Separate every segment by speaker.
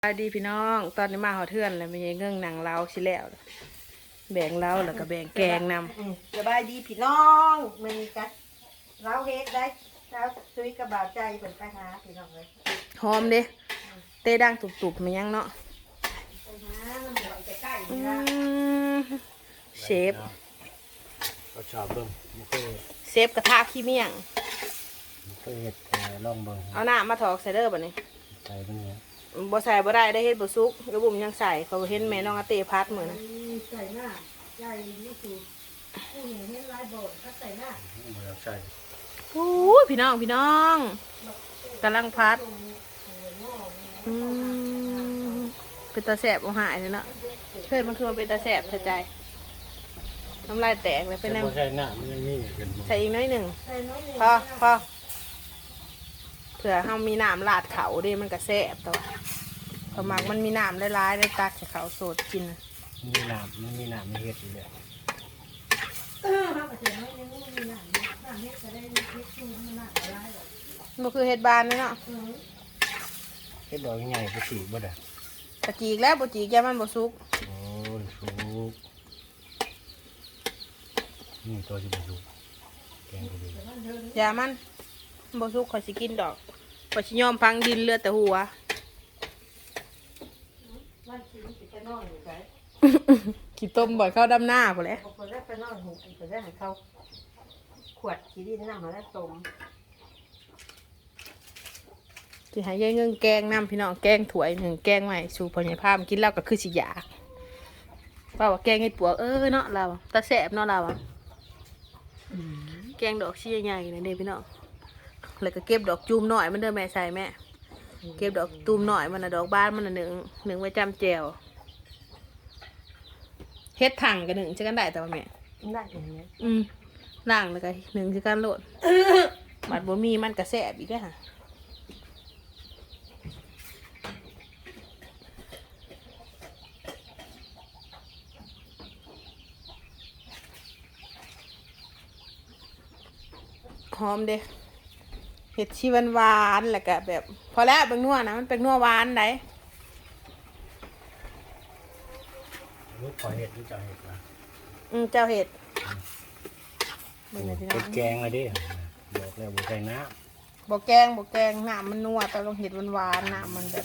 Speaker 1: สวัสดีพี่น้องตอนนี้มาหอเทือนแล้วมีเงื่องหนังเล้าชิแล้วแบ่งเล้าแล้วก็แบ่งแกงน
Speaker 2: สบายดีพี่น้องมันกันเราเฮ็ดได้เราซุยกระบาดใจเป็นไปหาพี่น้องเลย
Speaker 1: ำหอมเด้เต้ดังตุบๆมันยังเนาะ
Speaker 2: ไปหาน้ำหอยใกล้ๆ
Speaker 1: อื
Speaker 2: นี่ละ
Speaker 1: มเชฟ
Speaker 3: ก็ชอบเบิ่งมันเคย
Speaker 1: เชฟกระทะขี้เมี่ยง
Speaker 3: เห็ดลองเบิ่ง
Speaker 1: เอาหน้ามาถอกใส่เด้อบัดนี้
Speaker 3: ใส่เป็นเนี้ย
Speaker 1: บ่ใส่บ่ได้ได้เฮ็ดบ่สุกกระบุ่มยังใส่เขาเห็นแม่น้องอาเต้พัดมื้อนะ
Speaker 2: ใส่หน้าใจนี่คือผู้หญิงเห็นลายโบดก็ใส่หน้า
Speaker 3: เบื่อใส่
Speaker 1: โอ้ยพี่น้องกำลังพัดอืมเป็นตาแสบเอาหายเลยเนาะเพื่อนมันคือมันเป็นตาแสบเสียใจน้ำลายแตกเลยเป็น
Speaker 3: แต่
Speaker 1: น้ำ
Speaker 3: พอใส่หน้ามันยังมีกันบ่
Speaker 1: ใส่อีกน้อยหนึ่ง
Speaker 2: ใส่น้อยหนึ่ง
Speaker 1: พอเผื่อเฮามีน้ำลาดเขาดิมันก็แซ่บตัวพอมักมันมีน้ำร้ายๆได้ตักจากเขาโสดกินนะ
Speaker 3: มีน้ำมันมีน้ำมีเห็ดอยู่เลย
Speaker 2: เขาก็ใส่น้อยหนึ่งมีหนังหนังเฮ็ดจะได้เฮ็ดชูมันหนังอะไรหรอก
Speaker 1: มันคือเห็ดบานเลยเนาะ
Speaker 3: เห็ดดอกใหญ่ๆก็สีบ่ได้
Speaker 1: ตะจีกแล้วบ่จีกแกมันบ่สุก
Speaker 3: โอ้ยสุกนี่ตัวจะเป็นสุกแกงก็ดี
Speaker 1: อย่ามันบ่สุกข่อยสิกินดอกข่อยสิยอมพังดินเลือดแต่หัว
Speaker 2: วันที่มันจะนอนอยู่ไส
Speaker 1: ขี้ต้มบ่อยเข้าดำหน้าพุ่นแหละ
Speaker 2: บางคนได้ไปนอนหูอีกคนได้ให้เขาขวดขี้ดินน้ำมาแล้วต้ม
Speaker 1: สิให้ยายเงิงแกงน้ำพี่น้องแกงถ้วยหนึ่งแกงใหม่สู่พ่อใหญ่พามกินแล้วก็คือสิอยากว่าแกงเห็ดปวกเนาะเราตาแสบเนาะเราอะแกงดอกชี้ใหญ่ๆนี่เด้พี่น้องแล้วก็เก็บดอกจูมหน่อยมันเด้อแม่ใส่แม่เก็บดอกตูมหน่อยมันน่ะดอกบ้านมันน่ะหนึ่งไว้จำแจวเฮ็ดถังกับหนึ่งจะกันได้แต่ว่าแม่
Speaker 2: ได้อย่างนี้
Speaker 1: ล่างแล้วก็หนึ่งจะกันโหลดบัดบ่มีมันก็แสบอีกแล้วค่ะหอมเด้เห็ดชีหวานๆแล้วก็แบบ พอแล้วเป็นนัวนะมันเป็นนัวหวานได้
Speaker 3: ลูกขอเห็ดลูกจะเห็ดนะ
Speaker 1: เจ้าเห็ดเบิ่งหน่อยพี่น้อ
Speaker 3: เห็
Speaker 1: ง
Speaker 3: ดแกงเลยดิบอกแล้วบ่ใส่น้
Speaker 1: บ่แกงน้ำมันนัวแต่ลงเห็ดหวานๆน้ำมันแบบ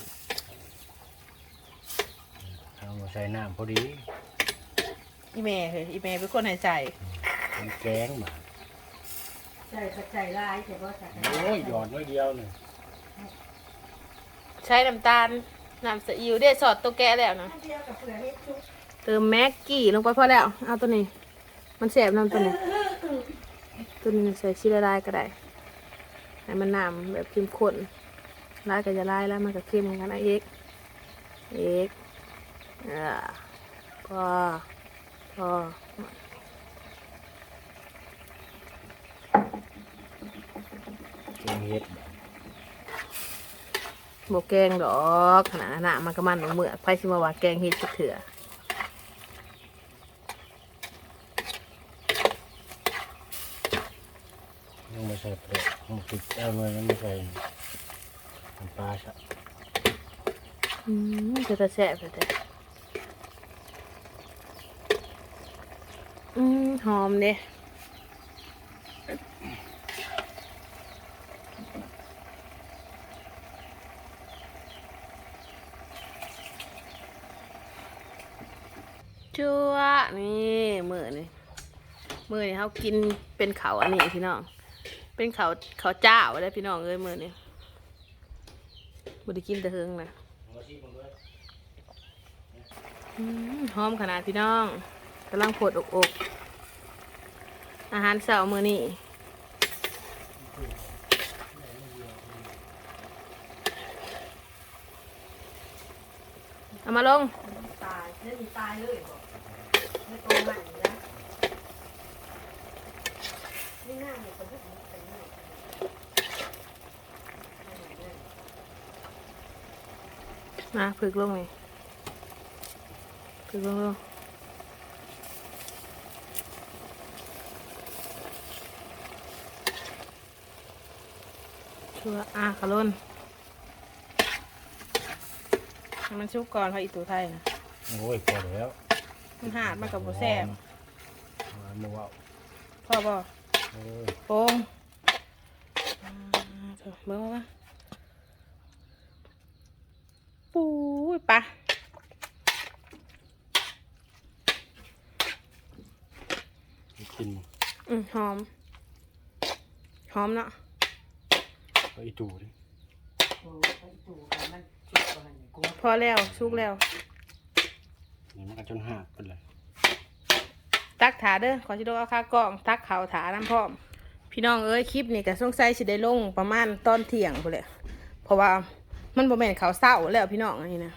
Speaker 3: ำเอาบ่ใส่น้ำพอดี
Speaker 1: อีเมย์อีเมย์เป็นคนให้ใส่
Speaker 3: มันแกงมา
Speaker 2: ใส่กระจายลายแต่ว่าใส่
Speaker 3: โอ้ยหยอดน้อยเดียวหนึ่ง
Speaker 1: ใช้น้ำตาลน้ำซีอิ๊วเด้สอดตัวแกะแล้วนะ
Speaker 2: เดียวกับเปลือกเฮ็ดชุบ
Speaker 1: เติมแม็กกี้ลงไปพอแล้วเอาตัวนี้ มันแสบน้ำตัวนี้ตัวนี้ใส่ชีละลายก็ได้ให้มันน้ำแบบเข้มข้นลายก็จะลายแล้วมันก็เข้มเหมือนกันนะเอกพอ
Speaker 3: แกงเห็ด
Speaker 1: โบแกงดอกขนาดนั้นมันก็มันเหมือกไพ่ชิมาว่าแกงเห็ดเถื่อ
Speaker 3: ยังไม่ใส่เปลือกมันติดเอาเงินยังไม่ใส่น้ำปลาซะ
Speaker 1: จะแสบแต่หอมเด้จั่วนี่มือนี่เขากินเป็นเขาอันนี้พี่น้องเป็นเขาเจ้าได้พี่น้องเลยมือนี่บ่ได้กินแต่เฮิงนะหอมขนาดพี่น้องกำลังโผดอกอาหารเช้ามื้อนี้เอามาลง
Speaker 2: ตายเล่นตายเลยบอกไม่ตรงใหม่นะนี่หน้าเนี่ยคนที่เป็นหน้า
Speaker 1: มาฝึกลงเลยฝึกลงชัวขลุ่นมันชุกก่อนเขาอีตูไทยนะ
Speaker 3: โอ้ยพอแล้ว
Speaker 1: มันหาดมันกับโบแซ่บ
Speaker 3: มาโมเอา
Speaker 1: พ่อบ่
Speaker 3: โอ้ย
Speaker 1: โป่งเถอะเบิ่งว่าปูยปะ
Speaker 3: กิน
Speaker 1: หอม หอมเนาะ
Speaker 3: ก็อีตูดิ
Speaker 2: โอ้ไอ้ตู่กันมันชุดก่อนนี่กู
Speaker 1: พอแล้วชุกแล้ว
Speaker 3: นี่มันก็จนหักไปเลย
Speaker 1: ตักถาเด้อขอชิโดเอาค่ากล้องตักเขาถาน้ำพร้อมพี่น้องเอ้ยคลิปนี่ก็สงสัยสิได้ลงประมาณตอนเที่ยงพุ่นแหละเพราะว่ามันบ่แม่นเขาวเศร้าแล้วพี่น้องอันนี้นะ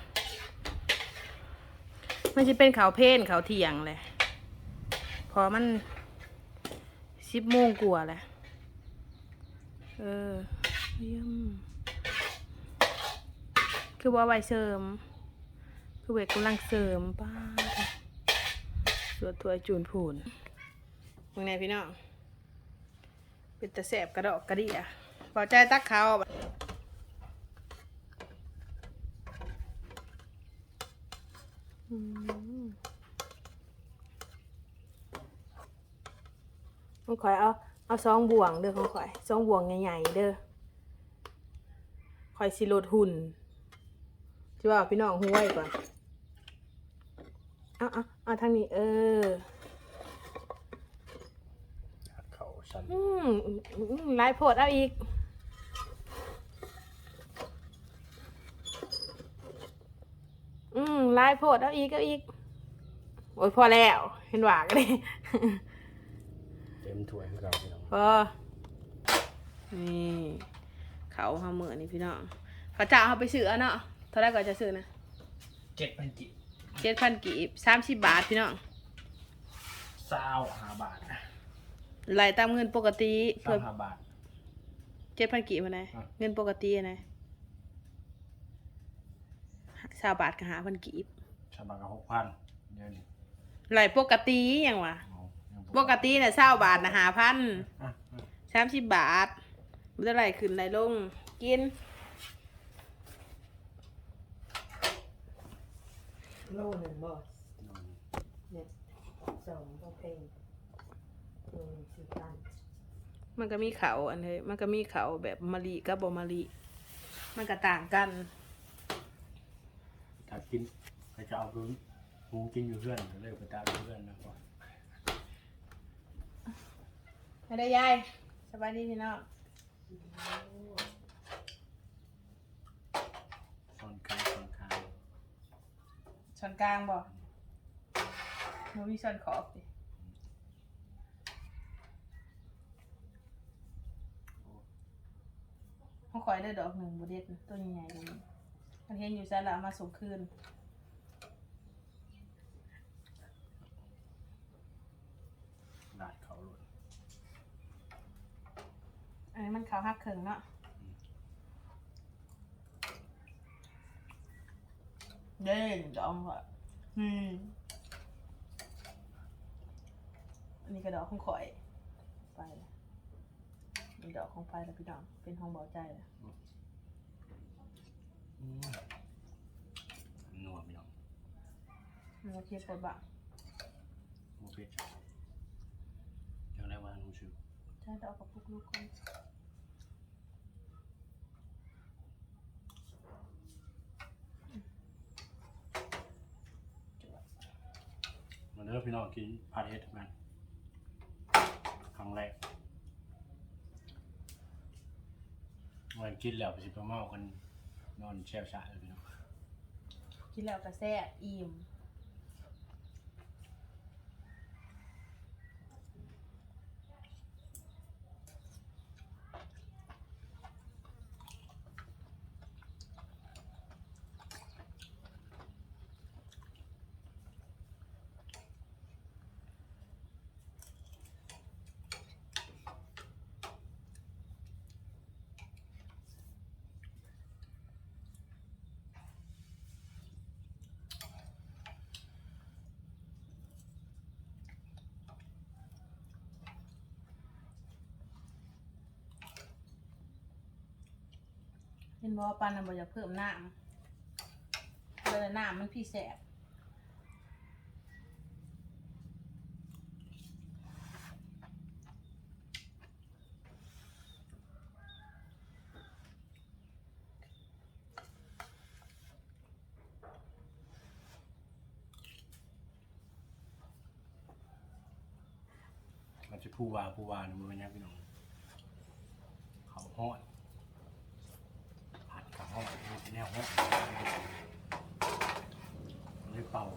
Speaker 1: มันจะเป็นเขาวเพลนเขาวเที่ยงเลยพอมัน10 โมงกว่าแหละเยี่ยมคือว่าไว้เสริมคือเวกกำลังเสริมป้าสวดถวยจูนผูนมึงไงพี่น้องเป็นตะแสบกระดอกกระดิ่ะพอใจตักเขามึงคอยเอาซองบ่วงเด้อของข่อยซองบ่วงใหญ่ๆเด้อข่อยสิลดหุ่นจะว่าพี่น้องห้วยก่อนเอาทางนี้
Speaker 3: หักเข่าสั่น
Speaker 1: ลายโพดเอาอีกลายโพดเอาอีกโอ้ยพอแล้วเห็นหวากเลย
Speaker 3: เต็มถ้วยของเราพี่น้อง
Speaker 1: พอนี่เขาเฮาเหมือนี่พี่น้องเขาจะเอาไปซื้อเนาะเท่าไรก็จะซื้อนะ
Speaker 3: 7,000 กิ
Speaker 1: 7,000 กีบ30 บาทพี่น้อง
Speaker 3: 25 บาทนะ
Speaker 1: ไหลตามเงินปกติเพิ่ม
Speaker 3: 25 บาท
Speaker 1: 7,000 กีบมาไหนเงินปกติไหน20 บาทก็5,000 กีบ
Speaker 3: ชาวบ้านก็6,000เดี๋ยวนี้
Speaker 1: ไหลปกติอย่างวะ
Speaker 3: เอายัง
Speaker 1: ปกติเนี่ย20 บาทนะ5,000
Speaker 3: อ่ะ
Speaker 1: 30 บาทมันจะไหลขึ้นไหลลงกิน
Speaker 2: โลหนึ่งบ่เนี่ย2ก็เพลง4,000
Speaker 1: มันก็มีเขาอันนี้มันก็มีเขาแบบมะลิกับบมะลิมันก็ต่างกัน
Speaker 3: ถ้ากินใครจะเอาพื้นหมูกินอยู่เพื่อนก็เลยไปตามเพื่อนนะก่อน
Speaker 1: ไม่ได้ยายสบายดีพี่น้อง
Speaker 3: ซ่อนคาง
Speaker 1: ช้อนกลางบ่มันมีช้อนขอบดิเขาคอยได้ดอกหนึ่งบเด็ดนะตัวใหญ่ๆตรงนี้มันเห็นอยู่ซะละเอามาส่งคืน
Speaker 3: ลาดเขาหล่น
Speaker 1: อันนี้มันขาวหักเขิงเนาะเด้งดองค่ะอันนี้ก็ดอกของข่อยไปแล้วมีดอกของไฟแล้วพี่น้องเป็นห้องเบาใจแล้ว
Speaker 3: นัวพี่น้อง
Speaker 1: มันก็เทียบกับบ้าง
Speaker 3: โมเพ็ดยังได้ว่าน้องชิว
Speaker 1: ใช่ดอกกับพวกลูกคน
Speaker 3: มาเด้อพี่น้องกินผัดเห็ดกันครั้งแรกวันกินแล้วไปสิไปเมากันนอนแช่ชาเลยพี่น้อง
Speaker 1: กินแล้วก็แซ่บอิ่มเห็นบอกว่าปานน่ะบ่อยากเพิ่มน้ำแล้วน้ำมันพี่แสบ
Speaker 3: มันจะผู้วาเนี่ยมันเป็นยังพี่น้องเขาห้อนผัดกับห้อนมันเป็นแนวห้อนมันเลยเป่า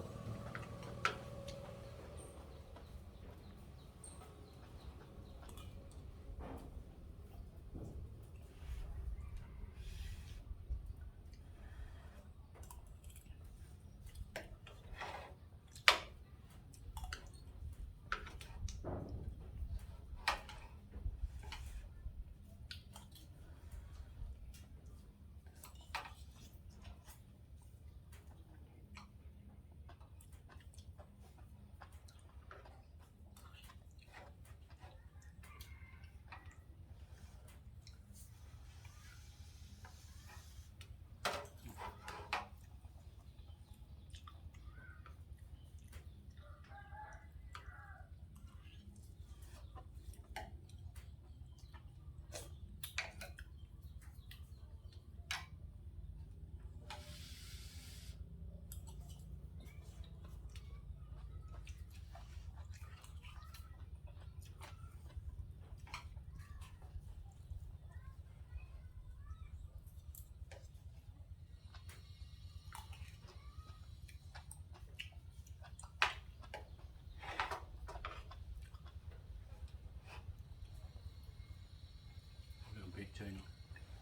Speaker 3: เริ่มเผ็ดเฉยเนาะ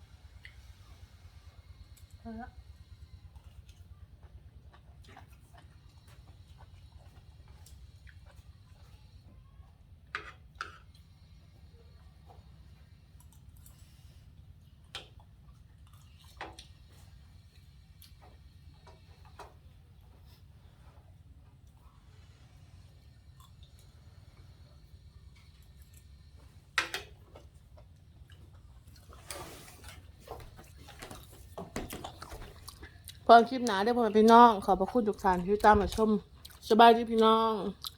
Speaker 1: เออพอคลิปหนาได้อพ่อแม่พี่น้องขอบพระคุณทุกท่านที่ตามมาชมสบายดีพี่น้อง